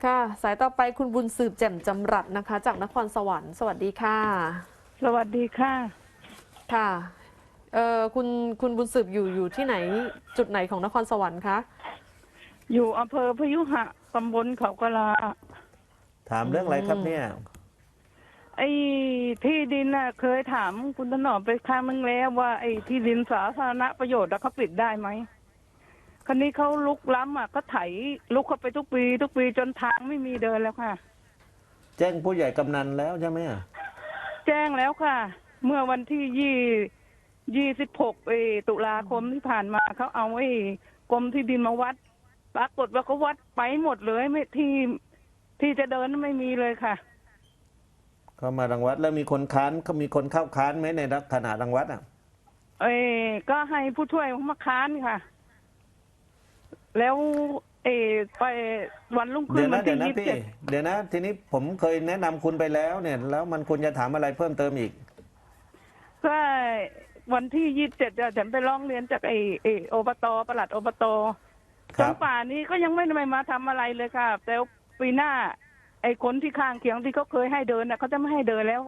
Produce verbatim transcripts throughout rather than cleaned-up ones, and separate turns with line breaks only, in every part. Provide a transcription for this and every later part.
ค่ะสายต่อไปคุณบุญสืบแจ่มจำรัดนะคะจากนครสวรรค์สวัสดีค่ะ
สวัสดีค่ะ
ค่ะเอ่อคุณคุณบุญสืบอยู่อยู่ที่ไหนจุดไหนของนครสวรรค์คะ
อยู่อำเภอพยุหะตำบลเขากะลา
ถาม
อื
เรื่องอะไรครับ
ม
เนี่ย
ไอ้ที่ดินน่ะเคยถามคุณถนอมไปครั้งนึงแล้วว่าไอ้ที่ดินสาธารณประโยชน์อะเขาปิดได้ไหมคราวนี้เขาลุกล้ำอ่ะก็ไถลุกเข้าไปทุกปีทุกปีจนทางไม่มีเดินแล้วค่ะ
แจ้งผู้ใหญ่กำนันแล้วใช่ไหมอะ
แจ้งแล้วค่ะ เมื่อวันที่ยี่ยี่สิบหกตุลาคมที่ผ่านมาเขาเอาไอ้กรมที่ดินมาวัดปรากฏว่าเขาวัดไปหมดเลยไม่ที่ที่จะเดินไม่มีเลยค่ะ
เขามารังวัดแล้วมีคนค้านเขามีคนเข้าค้านไหมในขณะรังวัดอ่ะ
เอ้ก็ให้ผู้ช่วยมาค้านค่ะ แล้วเออไปวันรุ่งขึ้
เดี๋ย
น
ว
วั
นะ
น
เดี๋
ที่
ยวนะ
ยี่สิบ
พี่
เจ็ด
เดี๋ยวนะทีนี้ผมเคยแนะนำคุณไปแล้วเนี่ยแล้วมันควรจะถามอะไรเพิ่มเติมอีก
ก็วันที่ยี่สิบเจ็ดฉันไปร้องเรียนจากไอ้ไอ้อบตปลัดอบต
ค
จน
รับ
ป่านนี้ก็ยังไม่ได้มาทำอะไรเลยค่ะ แต่ปีหน้า ไอ้คนที่ข้างเคียงที่เขาเคยให้เดินน่ะเขาจะไม่ให้เดินแล้ว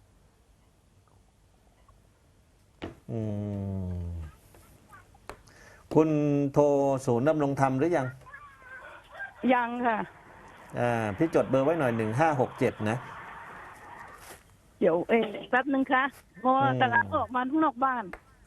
อืมคุณโทรศูนย์ดำรงธรรมหรือยัง
ยังค่ะ
อ่าพี่จดเบอร์ไว้หน่อยหนึ่งห้าหกเจ็ดนะ
เดี๋ยวเออแป๊บนึงค่ะเพราะว่า
อืม
กำลังออกมาข้างนอกบ้าน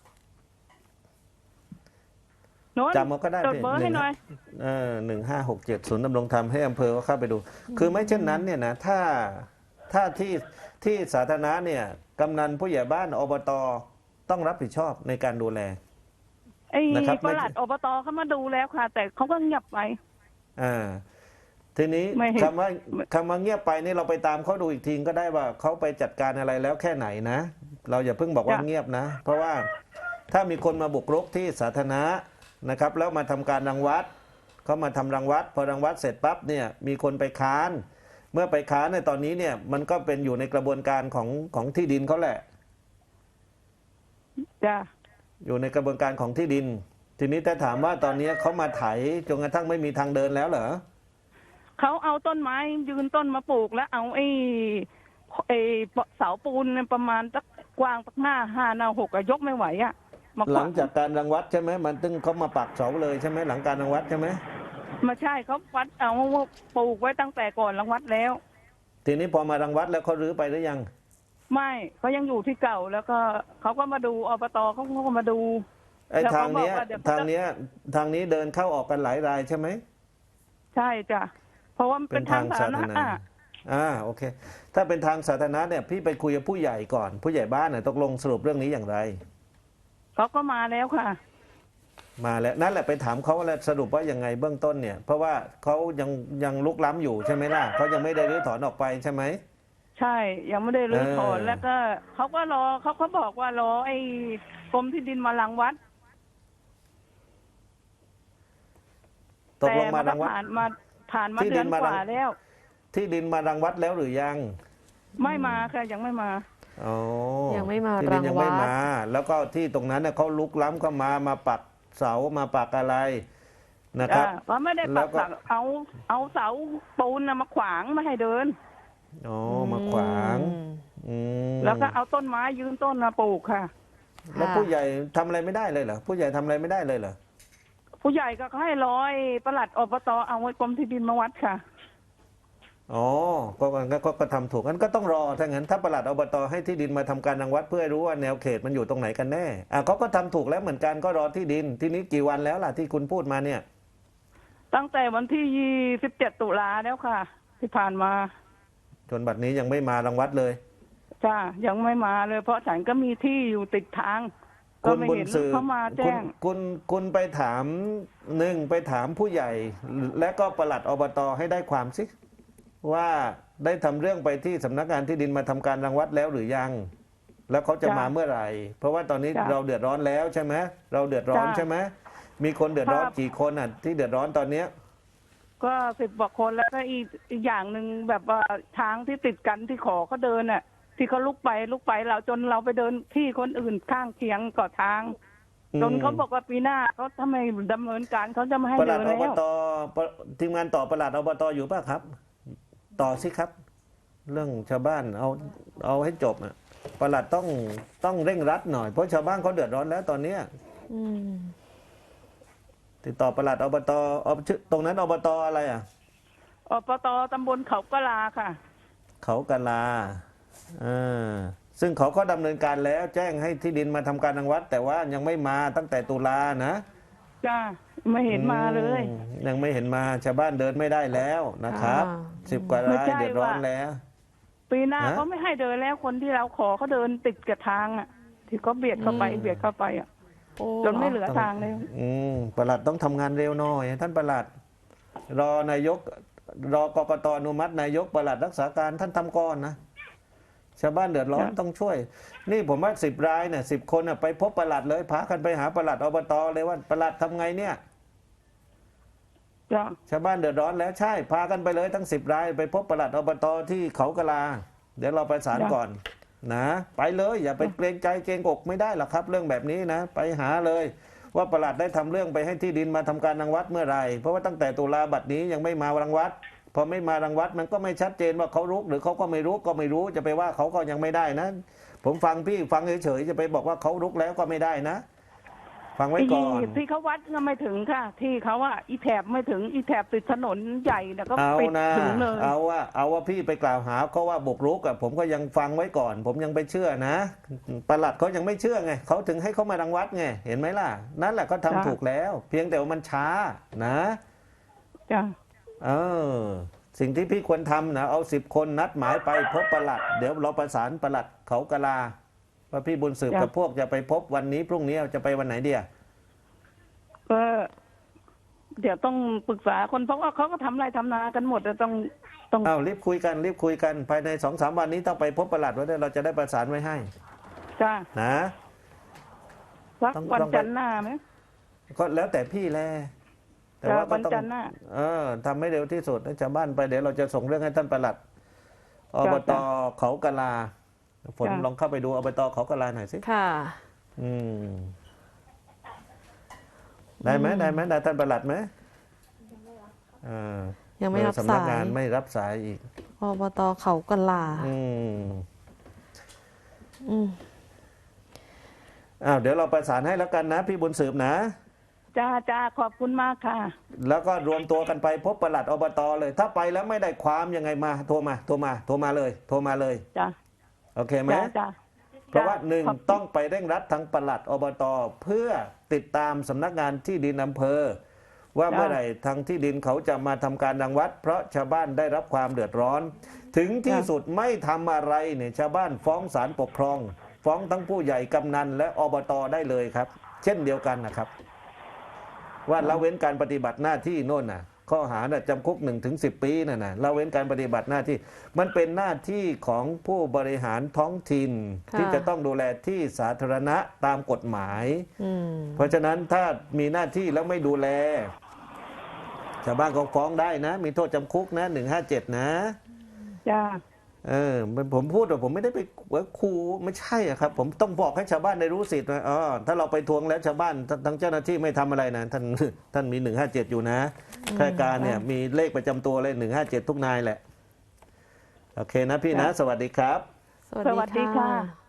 โน้น
จำเอาก็ได้
จด
พี่
เบอร์
ห
ให้
นึ่ง
หน่อย
เออหนึ่งห้าหกเจ็ดศูนย์ดำรงธรรมให้อำเภอเขาเข้าไปดู คือไม่เช่นนั้นเนี่ยนะถ้าถ้าที่ที่สาธารณะเนี่ยกำนันผู้ใหญ่บ้านอบตต้องรับผิดชอบในการดูแล
ไอ้
นะครับ
ป
ไม่
ลัดอบตเขามาดูแล้วค่ะ แต่เขาก็เงียบไป
อ่าทีนี้
ไม่เห็น
คำว่าคำว่าเงียบไปนี่เราไปตามเขาดูอีกทีก็ได้ว่าเขาไปจัดการอะไรแล้วแค่ไหนนะ เราอย่าเพิ่งบอกว่าเงียบนะ เพราะว่าถ้ามีคนมาบุกรุกที่สาธารณะนะครับแล้วมาทำการรังวัดเขามาทำรังวัดพอรังวัดเสร็จปั๊บเนี่ยมีคนไปค้าน เมื่อไปค้านในตอนนี้เนี่ยมันก็เป็นอยู่ในกระบวนการของของที่ดินเขาแหละ
จ้ะ
อยู่ในกระบวนการของที่ดิน ทีนี้ถ้าถามว่าตอนนี้เขามาไถจนกระทั่งไม่มีทางเดินแล้วเหรอ
เขาเอาต้นไม้ยืนต้นมาปลูกแล้วเอาไอ้ไอ้เสาปูนเนี่ยประมาณสักกว้างสักหน้าห้าหน้าหกอะยกไม่ไหวอะมาข
หลั
วาง ง
จากการรังวัดใช่ไหมมันตึงเขามาปักเสาเลยใช่ไหมหลังการรังวัดใช่ไหม
มาใช่เขาวัดเอาปลูกไว้ตั้งแต่ก่อนรังวัดแล้ว
ทีนี้พอมารังวัดแล้วเขารื้อไปหรือยัง
ไม่เขายังอยู่ที่เก่าแล้วก็เขาก็มาดูอบตเขาก็มาดู
ไอ้
แล้ว
ทา
เขา
ง
บอก
เนี้ย
ว่าเดี๋ยว
ทางเนี้ยทางนี้เดินเข้าออกกันหลายรายใช่ไหม
ใช่จ้ะเพราะว่ามันเป็นทางสาธารณะอะ
อ่าโอเค ถ้าเป็นทางสาธารณะเนี่ยพี่ไปคุยกับผู้ใหญ่ก่อน ผู้ใหญ่บ้านเนี่ยตกลงสรุปเรื่องนี้อย่างไร
เขาก็มาแล้วค่ะ
มาแล้วนั่นแหละไปถามเขาแล้วสรุปว่ายังไงเบื้องต้นเนี่ย เพราะว่าเขายังยังลุกล้ำอยู่ใช่ไหมล่ะเขายังไม่ได้รื้อถอนออกไปใช่ไหม
ใช่ยังไม่ได้รื้อถอน
เออ
แล้วก็เขาก็รอเขาเขาบอกว่ารอไอ้กรมที่ดินมารังวัด
ตกลงมารังวัด
ผ่านมาผ่านมา
ที่ดิ
เดือน
นมาก รัง
ว่าแล้ว
ที่ดินมารังวัดแล้วหรือยัง
ไม่มาค่ะยังไม่มา
อ๋อ
ยังไม่มา
ที่ดินยังไม่
รังวัด
มา แล้วก็ที่ตรงนั้นเนี่ยเขาลุกล้ำเข้ามามาปักเสามาปักอะไรนะครับ
อ่าเขาไม่ได้
แล้
ปั
ว
ก
ก็
เสาเอาเอาเสาปูนน่ะมาขวางไม่ให้เดิน
อ๋อมาขวางอืม
แล้วก็เอาต้นไม้ยืนต้นมาปลูกค่ะ
แล้วผู้ใหญ่ทำอะไรไม่ได้เลยเหรอผู้ใหญ่ทำอะไรไม่ได้เลยเหรอ
ผู้ใหญ่ก็ให้ร้อยปลัดอบตเอาไว้กรมที่ดินมาวัดค่ะ
อ๋อก็ก็ก็ก็ทำถูกงั้นก็ต้องรอถ้างั้นถ้าปลัดอบตให้ที่ดินมาทำการรังวัดเพื่อให้รู้ว่าแนวเขตมันอยู่ตรงไหนกันแน่อ่ะเขาก็ทำถูกแล้วเหมือนกันก็รอที่ดินที่นี้กี่วันแล้วล่ะที่คุณพูดมาเนี่ย
ตั้งแต่วันที่ยี่สิบเจ็ดตุลาแล้วค่ะ ที่ผ่านมา
จนบัดนี้ยังไม่มารังวัดเลย
จ้ายังไม่มาเลย เพราะฉันก็มีที่อยู่ติดทาง ก็
คุณ
ไม่
บุญ
เห็น
สืบ
เขามา
คุ
แจ้
ณ
ง
คุณคุณไปถามหนึ่งไปถามผู้ใหญ่ และก็ปลัดอบตให้ได้ความสิว่าได้ทำเรื่องไปที่สำนักงานที่ดินมาทำการรังวัดแล้วหรือยัง แล้วเขาจะ
จ้ะ
มาเมื่อไหร่ เพราะว่าตอนนี้
จ้ะ
เราเดือดร้อนแล้วใช่ไหมเราเดือดร้อน
จ้ะ
ใช่ไหมมีคนเดือดร้อน
ครับ
กี่คนอ่ะที่เดือดร้อนตอนเนี้ย
ก็สิบกว่าคนแล้วก็อีกอีกอย่างหนึ่งแบบว่าทางที่ติดกันที่ขอเขาเดินน่ะ ที่เขาลุกไปลุกไปเราจนเราไปเดินที่คนอื่นข้างเคียงก่อทางจนเขาบอกว่าปีหน้าเขาทำไมดำเนินการเขาจะไม่ให้
ปลั
เดิ
ด
น
อบ
แล้ว
ตปะทีมงานต่อปลัดอบตอยู่ป่ะครับ ต่อสิครับ เรื่องชาวบ้านเอาเอาให้จบอ่ะปลัดต้องต้องเร่งรัดหน่อยเพราะชาวบ้านเขาเดือดร้อนแล้วตอนเนี้ย
อืม
ติดต่อปลัดอบตอบชื่อตรงนั้นอบตอะไรอ่ะ
อบตตำบลเขากะลาค่ะ
เขากะลาเออซึ่งเขาก็ดำเนินการแล้วแจ้งให้ที่ดินมาทำการรังวัด แต่ว่ายังไม่มาตั้งแต่ตุลานะ
จ้าไม่เห็นมาเลย
อืมยังไม่เห็นมาชาวบ้านเดินไม่ได้แล้วนะครับ
อ่า
สิบกว่าราย
ไม่ใช่
เดือดร้อน
ว่า
แล้ว
ปีหน้า
ฮะ
เขาไม่ให้เดินแล้วคนที่เราขอเขาเดินติดกับทางอ่ะ ที่เขาเบียดเข้าไปเบียดเข้าไปอ่ะ
โอ้
จนไม่เหลือทางเลย
อืมปลัดต้องทำงานเร็วหน่อย ท่านปลัด รอนายก รอกกตอนุมัตินายกปลัดรักษาการท่านทำก่อนนะชาวบ้านเดือดร้อน
จ้ะ
ต้องช่วย นี่ผมว่าสิบรายเนี่ยสิบคนน่ะไปพบปลัดเลยพากันไปหาปลัดอบตเลยว่าปลัดทำไงเนี่ย
จ้า
ชาวบ้านเดือดร้อนแล้วใช่พากันไปเลยทั้งสิบรายไปพบปลัดอบตที่เขากะลา เดี๋ยวเราประสานก่อน นะ ไปเลยอย่าไปเกรงใจเกรงอกไม่ได้หรอกครับ เรื่องแบบนี้นะ ไปหาเลย ว่าปลัดได้ทำเรื่องไปให้ที่ดินมาทำการรังวัดเมื่อไหร่เพราะว่าตั้งแต่ตุลาบัดนี้ยังไม่มารังวัดพอไม่มารังวัดมันก็ไม่ชัดเจนว่าเขารุกหรือเขาก็ไม่รุกก็ไม่รู้จะไปว่าเขาก็ยังไม่ได้นะ ผมฟังพี่ฟังเฉยๆจะไปบอกว่าเขารุกแล้วก็ไม่ได้นะ ฟังไว้ก่อน
ที่เขาวัดก็ไม่ถึงค่ะ ที่เขาว่าอีแถบไม่ถึงอีแถบติดถนนใหญ่เนี่ยก็
เอา
ปิด
นะ
ถึงเลย
เอาว่าเอาว่าพี่ไปกล่าวหาเขาว่าบุกรุกอะผมก็ยังฟังไว้ก่อน ผมยังไปเชื่อนะปลัดเขายังไม่เชื่อไงเขาถึงให้เขามารังวัดไงเห็นไหมล่ะ นั่นแหละเขาทำถูกแล้ว เพียงแต่ว่ามันช้านะ
จ้า
เออสิ่งที่พี่ควรทำนะเอาสิบคนนัดหมายไปพบปลัด เดี๋ยวเราประสานปลัดเขากะลาว่าพี่บุญสืบกับพวกจะไปพบวันนี้พรุ่งนี้จะไปวันไหนเดีย
ก็เดี๋ยวต้องปรึกษาคนเพราะว่าเขาก็ทำไรทำนากันหมดแต่ต้องต้อง
อ้าวรีบคุยกันรีบคุยกันภายในสองสามวันนี้ต้องไปพบปลัดไว้ด้วยเราจะได้ประสานไว้ให้
จ้า
นะ
สัก
ต้อง
วัน
ต้องไป
จันทร์หน้าไหม
ก็แล้วแต่พี่แหละแต่
จ้า
ว่าก็
วัน
ต้อง
จันทร์หน้า
เออทำให้เร็วที่สุดให้ชาวบ้านไปเดี๋ยวเราจะส่งเรื่องให้ท่านปลัดอบต
จ้ะ
เขากะลาฝน
จ้ะ
ลองเข้าไปดูอบตเขากะลาหน่อยสิ
ค่ะ
อืมได้ไหมได้ไหมได้ท่านปลัดไหมอ่า
ยังไม่รับ
สำนั
สาก
งาน
ย
ไม่รับสายอีก
อบตเขากะลา
อืม
อืม
อ้าวเดี๋ยวเราประสานให้แล้วกันนะ พี่บุญสืบนะ
จ้าจ้าขอบคุณมากค่ะ
แล้วก็รวมตัวกันไปพบปลัดอบตเลย ถ้าไปแล้วไม่ได้ความยังไงมาโทรมาโทรมาโทรมาเลย โทรมาเลย
จ้า
โอเคไหม
จ้าจ้า
เพราะว่าหนึ่ง
ขอบคุณ
ต้องไปเร่งรัดทางปลัดอบตเพื่อติดตามสำนักงานที่ดินอำเภอ ว่าเมื่อไหร่ทางที่ดินเขาจะมาทำการรังวัด เพราะชาวบ้านได้รับความเดือดร้อน ถึงที่สุดไม่ทำอะไรเนี่ยชาวบ้านฟ้องศาลปกครอง ฟ้องทั้งผู้ใหญ่กำนันและอบตได้เลยครับ เช่นเดียวกันนะครับ ว่าละเว้นการปฏิบัติหน้าที่โน่นน่ะ ข้อหาน่ะจำคุกหนึ่งถึงสิบปีน่ะนะละเว้นการปฏิบัติหน้าที่ มันเป็นหน้าที่ของผู้บริหารท้องถิ่น
ค่ะ
ที่จะต้องดูแลที่สาธารณะตามกฎหมาย
อืม
เพราะฉะนั้นถ้ามีหน้าที่แล้วไม่ดูแล ชาวบ้านก็ฟ้องได้นะ มีโทษจำคุกนะหนึ่งห้าเจ็ดนะ
จ้า
เออผมพูดว่าผมไม่ได้ไปขู่ไม่ใช่อะครับ ผมต้องบอกให้ชาวบ้านได้รู้สิทธิ์ว่าอ๋อถ้าเราไปทวงแล้วชาวบ้านทั้งเจ้าหน้าที่ไม่ทำอะไรนะท่านท่านมีหนึ่งห้าเจ็ดอยู่นะข้าราชการเนี่ยมีเลขประจำตัวเลยหนึ่งห้าเจ็ดทุกนายแหละ โอเคนะพี่นะ สวัสดีครับ
สวัส
สวัสดี
ดี
ค่ะ
ค่ะ